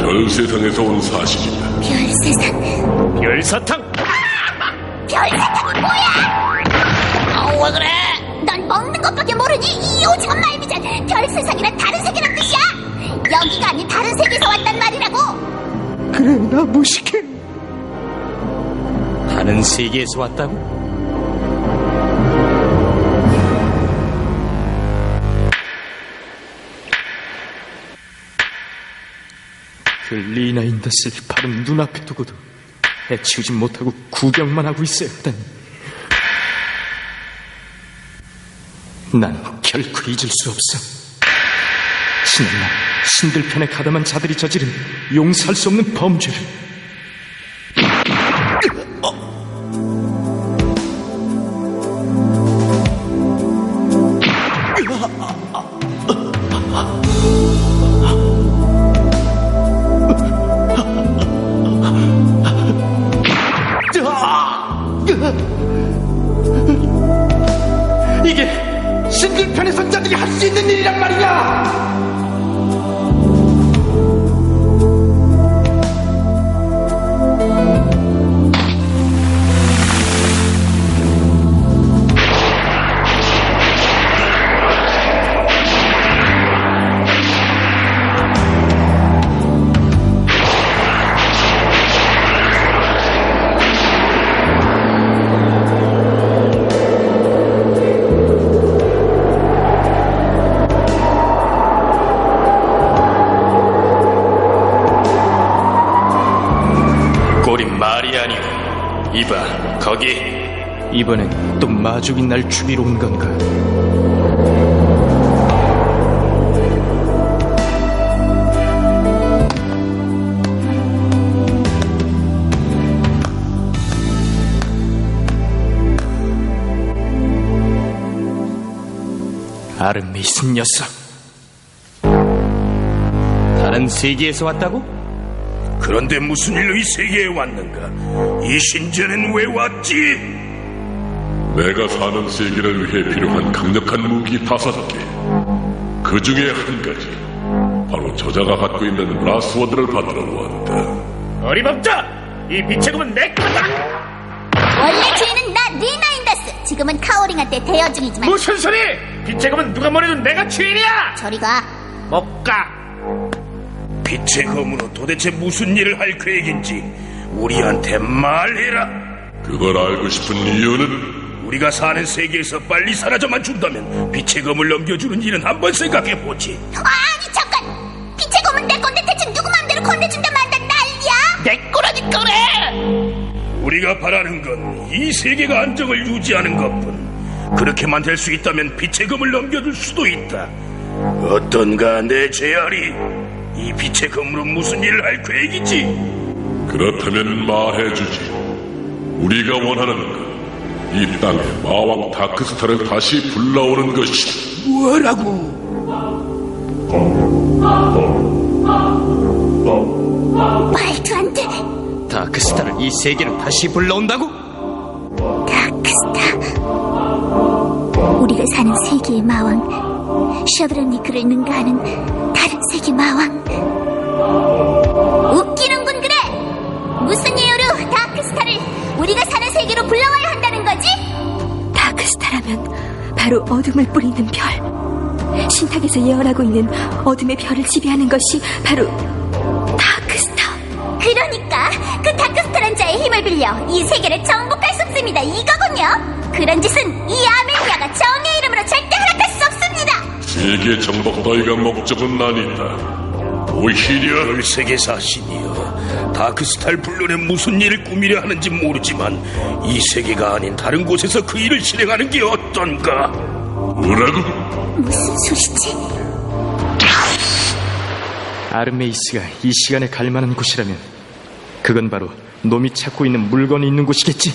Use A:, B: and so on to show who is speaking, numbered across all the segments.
A: 별세상에서 온 사실이다.
B: 별세상?
C: 별사탕?
B: 별사탕이 뭐야? 왜 그래? 넌 먹는 것밖에 모르니? 이 오징어 말미잘. 별세상이란 다른 세계란 뜻이야. 여기가 아닌 다른 세계에서 왔단 말이라고.
D: 그래, 나 무식해.
C: 다른 세계에서 왔다고? 그 리나 인더스를 바로 눈앞에 두고도 해치우지 못하고 구경만 하고 있어야 했다니. 난 결코 잊을 수 없어. 지난날 신들 편에 가담한 자들이 저지른 용서할 수 없는 범죄를.
D: 이게 신들 편의 선자들이 할 수 있는 일이란 말이야.
C: 말이 아니오. 이봐, 거기. 이번엔 또 마족이 날 죽이러 온 건가? 아르메이슨 녀석. 다른 세계에서 왔다고?
E: 그런데 무슨 일로 이 세계에 왔는가? 이 신전엔 왜 왔지?
A: 내가 사는 세계를 위해 필요한 강력한 무기 5개. 그 중에 한 가지. 바로 저자가 갖고 있는 라스워드를 받으러 왔다.
C: 어림없다! 이 빛의 검은 내 거다!
B: 원래 주인은 나 리나 인더스. 지금은 카오링한테 대여 중이지만.
C: 무슨 소리! 빛의 검은 누가 뭐래도 내가 주인이야!
B: 저리 가.
C: 못 가!
E: 빛의 검으로 도대체 무슨 일을 할 계획인지 우리한테 말해라.
A: 그걸 알고 싶은 이유는?
E: 우리가 사는 세계에서 빨리 사라져만 준다면 빛의 검을 넘겨주는 일은 한번 생각해보지.
B: 아니 잠깐. 빛의 검은 내 건데 대체 누구 맘대로 건네준다 만다 난리야?
C: 내 거라니까 그래!
E: 우리가 바라는 건 이 세계가 안정을 유지하는 것뿐. 그렇게만 될 수 있다면 빛의 검을 넘겨줄 수도 있다. 어떤가 내 제알이? 이 빛의 검으로 무슨 일을 할 계획이지?
A: 그렇다면 말해주지. 우리가 원하는 건 이 땅에 마왕 다크스타를 다시 불러오는 것이다.
E: 뭐라고?
B: 말도 안 돼.
C: 다크스타를 이 세계로 다시 불러온다고?
B: 다크스타. 우리가 사는 세계의 마왕 셔드라니크를 능가하는 다른 세계 마왕. 웃기는군. 그래. 무슨 이유로 다크스타를 우리가 사는 세계로 불러와야 한다는 거지?
F: 다크스타라면 바로 어둠을 뿌리는 별. 신탁에서 예언하고 있는 어둠의 별을 지배하는 것이 바로 다크스타.
B: 그러니까 그 다크스타란 자의 힘을 빌려 이 세계를 정복할 수 없습니다. 이거군요. 그런 짓은 이 아멜리아가 정의 이름으로 절대 허락할 수 없습니다.
A: 세계 정복 따위가 목적은 아니다. 오히려
E: 별세계사 신이여, 다크스타를 불러내 무슨 일을 꾸미려 하는지 모르지만 이 세계가 아닌 다른 곳에서 그 일을 실행하는 게 어떤가?
A: 뭐라고?
B: 무슨 소리지?
C: 아르메이스가 이 시간에 갈 만한 곳이라면 그건 바로 놈이 찾고 있는 물건이 있는 곳이겠지.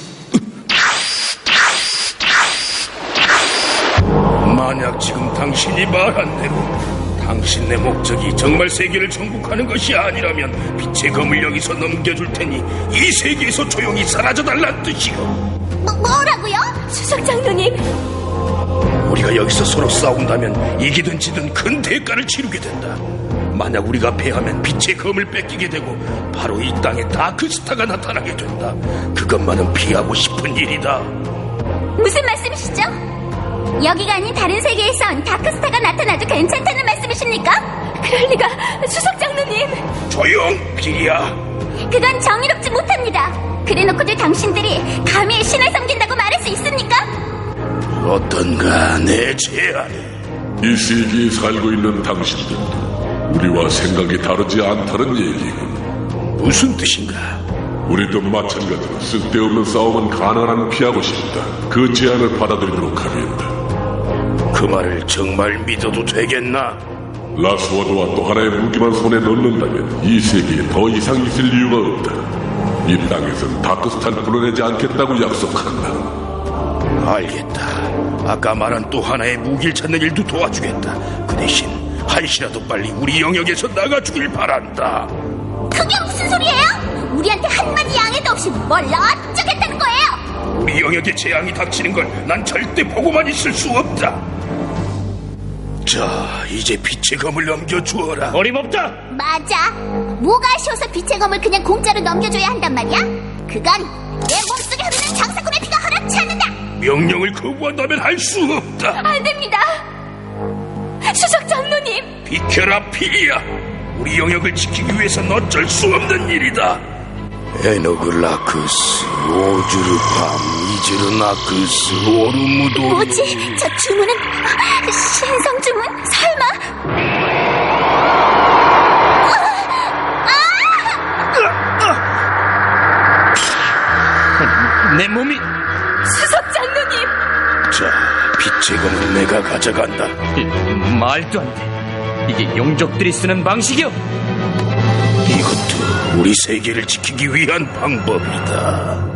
E: 만약 지금 당신이 말한 대로 당신의 목적이 정말 세계를 정복하는 것이 아니라면 빛의 검을 여기서 넘겨줄 테니 이 세계에서 조용히 사라져달란 뜻이요.
B: 뭐라고요?
F: 수석 장로님,
E: 우리가 여기서 서로 싸운다면 이기든 지든 큰 대가를 치르게 된다. 만약 우리가 패하면 빛의 검을 뺏기게 되고 바로 이 땅에 다크스타가 나타나게 된다. 그것만은 피하고 싶은 일이다.
B: 무슨 말씀이시죠? 여기가 아닌 다른 세계에선 다크스타가 나타나도 괜찮다는 말씀이십니까?
F: 그럴 리가, 수석 장로님.
E: 조용, 비리야.
B: 그건 정의롭지 못합니다. 그래놓고도 당신들이 감히 신을 섬긴다고 말할 수 있습니까?
E: 어떤가 내 제안이.
A: 이 세계에 살고 있는 당신들도 우리와 생각이 다르지 않다는 얘기군.
E: 무슨 뜻인가?
A: 우리도 마찬가지로 쓸데없는 싸움은 가능한 피하고 싶다. 그 제안을 받아들이도록 하겠다.
E: 그 말을 정말 믿어도 되겠나?
A: 라스워드와 또 하나의 무기만 손에 넣는다면 이 세계에 더 이상 있을 이유가 없다. 이 땅에선 다크스타를 불어내지 않겠다고 약속한다.
E: 알겠다. 아까 말한 또 하나의 무기를 찾는 일도 도와주겠다. 그 대신 한시라도 빨리 우리 영역에서 나가주길 바란다.
B: 그게 무슨 소리예요? 우리한테 한마디 양해도 없이 뭘 어쩌겠다는 거예요?
E: 우리 영역에 재앙이 닥치는 걸 난 절대 보고만 있을 수 없다. 자, 이제 빛의 검을 넘겨주어라.
C: 어림없다.
B: 맞아. 뭐가 아쉬워서 빛의 검을 그냥 공짜로 넘겨줘야 한단 말이야? 그건 내 몸속에 흐르는 장사꾼의 피가 허락치 않는다.
E: 명령을 거부한다면 할 수 없다.
F: 안 됩니다. 수석 장로님.
E: 비켜라, 피리야. 우리 영역을 지키기 위해선 어쩔 수 없는 일이다. 에너글라크스, 오주르팜, 이즈르나크스, 오르무도.
B: 뭐지? 저 주문은 신성 주문? 설마?
C: 내 몸이
F: 수석 장로님.
E: 자, 빛의 검을 내가 가져간다.
C: 말도 안 돼. 이게 용족들이 쓰는 방식이요.
E: 이것도 우리 세계를 지키기 위한 방법이다.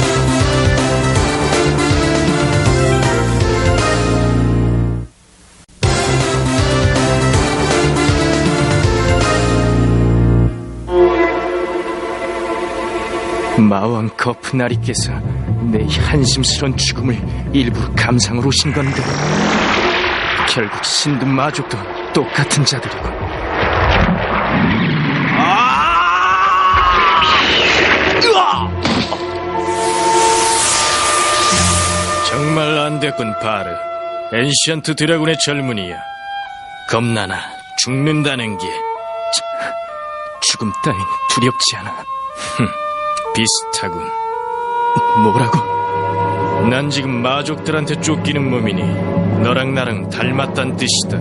C: 마왕 거프나리께서 내 한심스런 죽음을 일부러 감상으로 오신 건데 결국 신도 마족도 똑같은 자들이고. 정말 안 됐군, 바르. 엔시언트 드래곤의 젊은이야. 겁나나 죽는다는 게 죽음 따윈 두렵지 않아. 비슷하군. 뭐라고? 난 지금 마족들한테 쫓기는 몸이니 너랑 나랑 닮았단 뜻이다.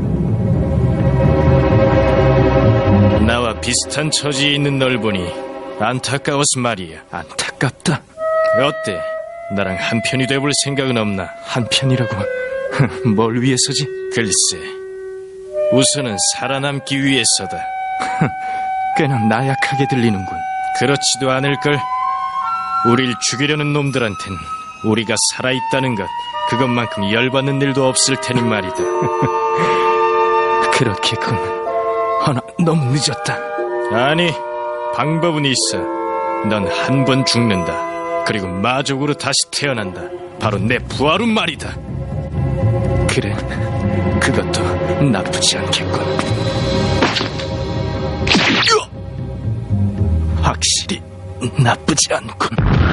C: 나와 비슷한 처지에 있는 널 보니 안타까워서 말이야. 안타깝다. 어때? 나랑 한편이 돼볼 생각은 없나? 한편이라고? 뭘 위해서지? 글쎄, 우선은 살아남기 위해서다. 꽤나 나약하게 들리는군. 그렇지도 않을걸. 우릴 죽이려는 놈들한텐 우리가 살아있다는 것, 그것만큼 열받는 일도 없을 테니 말이다. 그렇게군. 허나 너무 늦었다. 아니, 방법은 있어. 넌 한 번 죽는다. 그리고 마족으로 다시 태어난다. 바로 내 부하로 말이다. 그래, 그것도 나쁘지 않겠군. 확실히 나쁘지 않군.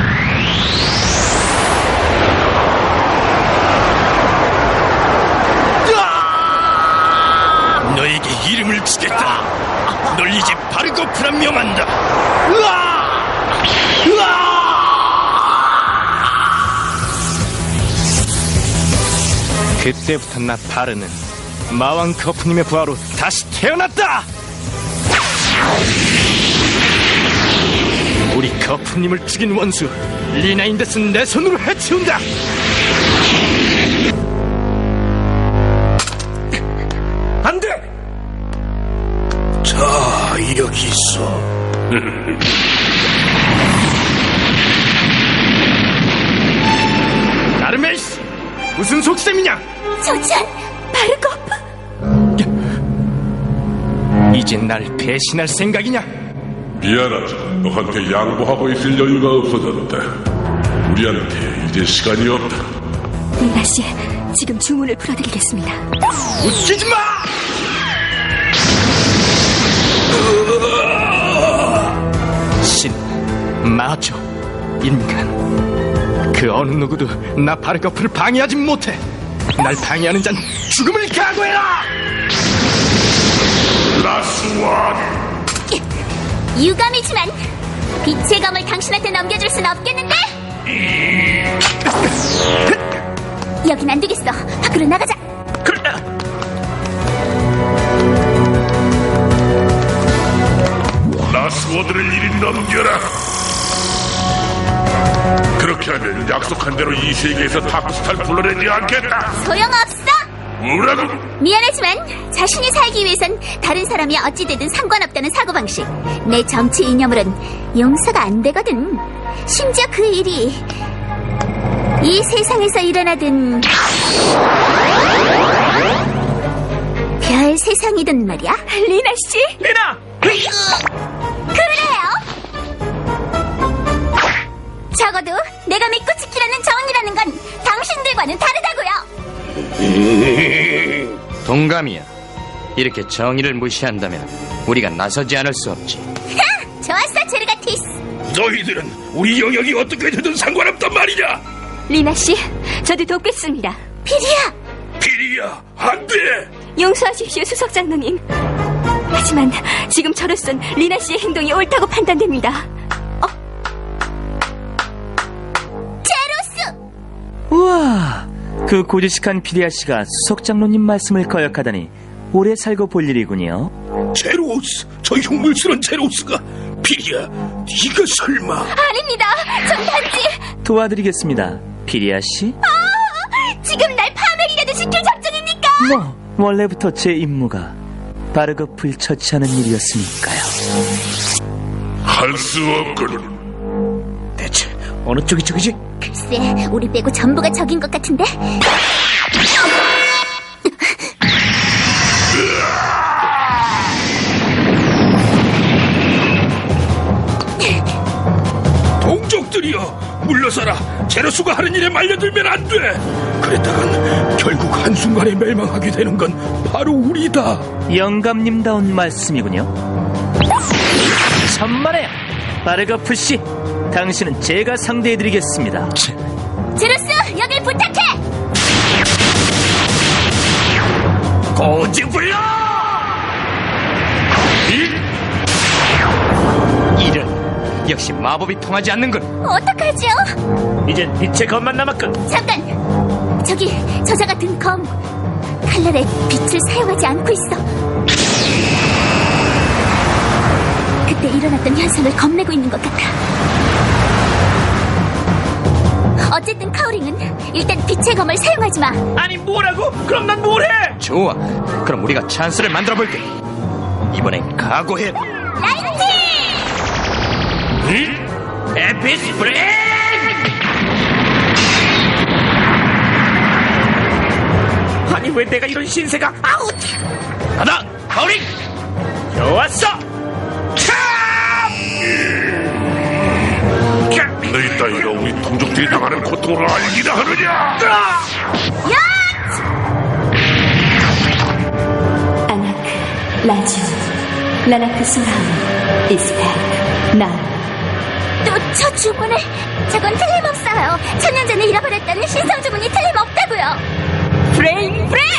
C: 너에게 이름을 주겠다. 널 이제 바르고프라 명한다. 그때부터 나 바르는 마왕 거프님의 부하로 다시 태어났다. 우리 거프님을 죽인 원수 리나인데스는 내 손으로 해치운다. 안 돼!
E: 자, 여기 있어.
C: 아르메이스! 무슨 속셈이냐?
B: 조찬, 바르고프.
C: 이젠 날 배신할 생각이냐?
A: 미안하지. 너한테 양보하고 있을 여유가 없어졌다. 우리한테 이제 시간이 없다.
F: 리나 씨, 지금 주문을 풀어드리겠습니다.
C: 웃기지 마! 신, 마초, 인간, 그 어느 누구도 나 바르거프를 방해하지 못해. 날 방해하는 자는 죽음을 각오해라.
A: 라스원!
B: 유감이지만 빛의 검을 당신한테 넘겨줄 순 없겠는데? 여긴 안 되겠어. 밖으로 나가자.
A: 라스워드를 이리 넘겨라. 그렇게 하면 약속한 대로 이 세계에서 다크스타를 불러내지 않겠다.
B: 소용없어.
A: 뭐라고?
B: 미안하지만 자신이 살기 위해선 다른 사람이 어찌되든 상관없다는 사고방식. 내 정치 이념으론 용서가 안 되거든. 심지어 그 일이 이 세상에서 일어나든 별 세상이든 말이야.
F: 리나 씨?
C: 리나!
B: 그래요. 적어도 내가 믿고 지키라는 정이라는 건 당신들과는 다르다고요.
G: 동감이야. 이렇게 정의를 무시한다면 우리가 나서지 않을 수 없지.
B: 좋았어, 제르가티스.
E: 너희들은 우리 영역이 어떻게 되든 상관없단 말이냐.
F: 리나 씨, 저도 돕겠습니다.
B: 피리야.
E: 피리야, 안 돼.
F: 용서하십시오, 수석장로님. 하지만 지금 저로선 리나 씨의 행동이 옳다고 판단됩니다.
B: 제로스.
H: 우와, 그 고지식한 피리아 씨가 수석장로님 말씀을 거역하다니 오래 살고 볼 일이군요.
E: 제로스, 저 흉물스런 제로스가. 피리야, 네가 설마.
B: 아닙니다. 전 단지
H: 도와드리겠습니다, 피리아 씨.
B: 지금 날 파멸이라도 시킬 작정입니까?
H: 뭐, 원래부터 제 임무가 바르거프를 처치하는 일이었으니까요.
A: 할 수 없군.
H: 대체 어느 쪽이 적이지?
B: 글쎄, 우리 빼고 전부가 적인 것 같은데?
E: 동족들이여, 물러서라. 제로스가 하는 일에 말려들면 안 돼. 그랬다간 결국 한순간에 멸망하게 되는 건 바로 우리다.
H: 영감님다운 말씀이군요. 천만에요, 바르거프 씨. 당신은 제가 상대해드리겠습니다.
B: 제로스, 여길 부탁해!
E: 고집불려!
G: 이런, 역시 마법이 통하지 않는군.
B: 어떡하죠?
H: 이젠 빛의 검만 남았군.
B: 잠깐! 저기, 저자가 든 검. 칼날에 빛을 사용하지 않고 있어. 그때 일어났던 현상을 겁내고 있는 것 같아. 어쨌든 카오링은 일단 빛의 검을 사용하지 마.
H: 아니 뭐라고? 그럼 난 뭘 해?
G: 좋아, 그럼 우리가 찬스를 만들어볼게. 이번엔 각오해.
B: 라이트!
H: 에피스 브레이크! 아니 왜 내가 이런 신세가? 아웃! 하나, 가오링! 좋았어!
A: 너희 따위가 우리 동족들이 당하는 고통을 알기나 하느냐?
F: 아나크, 라주, 라나크 소라운, 이스펙, 나.
B: 또 저 주문을. 저건 틀림없어요. 천년 전에 잃어버렸다는 신성 주문이 틀림없다고요.
F: 브레인 브레인!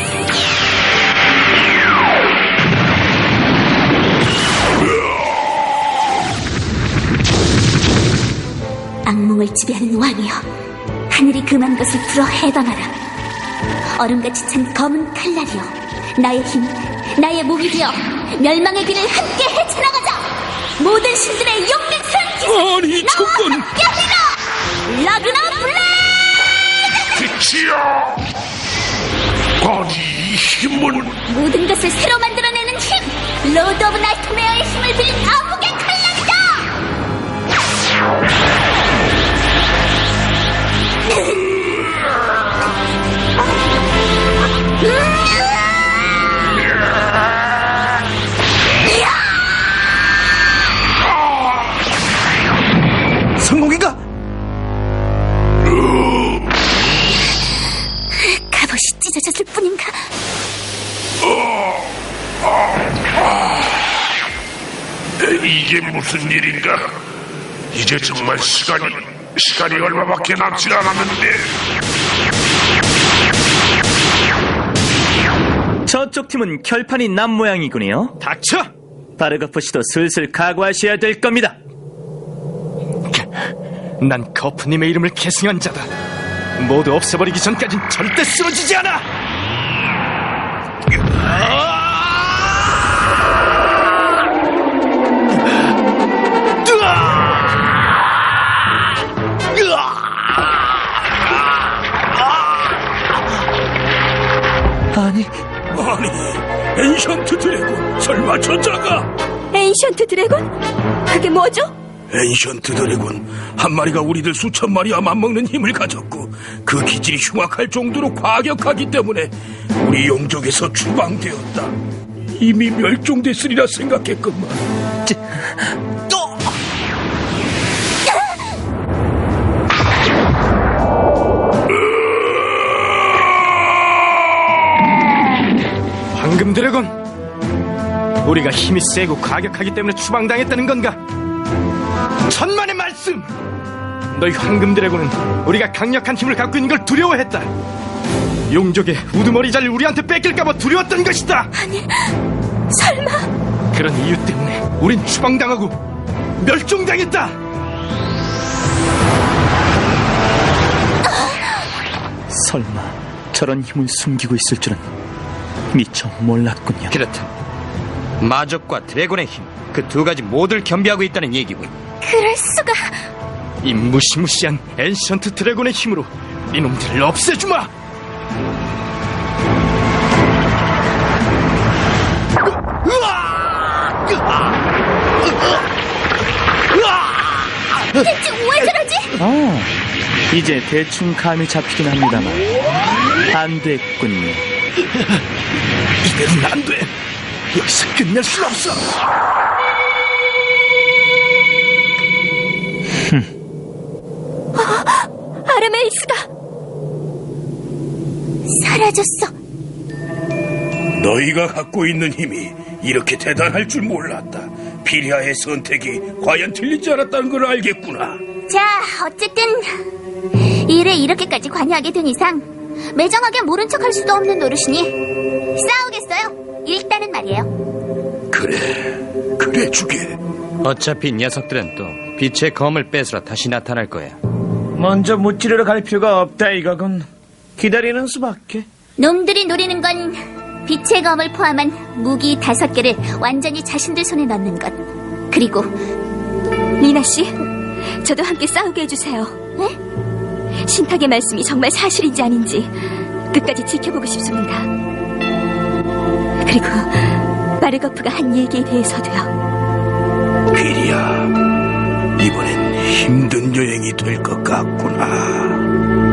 B: 악몽을 지배하는 왕이여, 하늘이 금한 것을 풀어 해방하라. 얼음같이 찬 검은 칼날이여, 나의 힘, 나의 무기 되어 멸망의 길을 함께 헤쳐나가자. 모든 신들의 용맹스러운 기세.
E: 아니, 저건.
B: 여기다! 라그나 블레이드!
A: 빛이야! 아니, 이 힘은
B: 모든 것을 새로 만들어내는 힘! 로드 오브 나이트메어의 힘을 빌린 암흑의 칼날이다!
H: 성공인가?
B: 갑옷이 찢어졌을 뿐인가?
A: 이게 무슨 일인가? 이제 정말 시간이 얼마밖에 남지 않았는데.
H: 저쪽 팀은 결판이 난 모양이군요.
C: 닥쳐!
H: 바르거프 씨도 슬슬 각오하셔야 될 겁니다.
C: 난 거프님의 이름을 계승한 자다. 모두 없애버리기 전까진 절대 쓰러지지 않아!
H: 아니,
E: 엔션트 드래곤, 설마 저자가?
F: 엔션트 드래곤? 그게 뭐죠?
E: 엔션트 드래곤 한 마리가 우리들 수천 마리와 맞먹는 힘을 가졌고 그 기질이 흉악할 정도로 과격하기 때문에 우리 용족에서 추방되었다. 이미 멸종됐으리라 생각했건만.
C: 황금 드래곤, 우리가 힘이 세고 과격하기 때문에 추방당했다는 건가? 천만의 말씀! 너희 황금 드래곤은 우리가 강력한 힘을 갖고 있는 걸 두려워했다. 용족의 우두머리자를 우리한테 뺏길까봐 두려웠던 것이다.
F: 아니, 설마.
C: 그런 이유 때문에 우린 추방당하고 멸종당했다.
H: 설마 저런 힘을 숨기고 있을 줄은 미처 몰랐군요.
G: 그렇다. 마족과 드래곤의 힘, 그 두 가지 모두를 겸비하고 있다는 얘기군.
B: 그럴 수가.
C: 이 무시무시한 엔션트 드래곤의 힘으로 이놈들을 없애주마.
B: 대체 왜 저러지?
H: 이제 대충 감이 잡히긴 합니다만 안 됐군요.
C: 이대로는 안 돼. 여기서 끝낼 순 없어.
F: 아르메이스가
B: 사라졌어.
E: 너희가 갖고 있는 힘이 이렇게 대단할 줄 몰랐다. 피리아의 선택이 과연 틀리지 않았다는 걸 알겠구나.
B: 자, 어쨌든 일에 이렇게까지 관여하게 된 이상 매정하게 모른 척할 수도 없는 노릇이니 싸우겠어요. 일단은 말이에요.
E: 그래 주게.
G: 어차피 녀석들은 또 빛의 검을 뺏으러 다시 나타날 거야.
H: 먼저 무찌르러 갈 필요가 없다 이거군. 기다리는 수밖에.
B: 놈들이 노리는 건 빛의 검을 포함한 무기 5개를 완전히 자신들 손에 넣는 것. 그리고
F: 리나 씨, 저도 함께 싸우게 해주세요.
B: 네?
F: 신탁의 말씀이 정말 사실인지 아닌지 끝까지 지켜보고 싶습니다. 그리고 바르거프가 한 얘기에 대해서도요.
E: 피리아, 이번엔 힘든 여행이 될 것 같구나.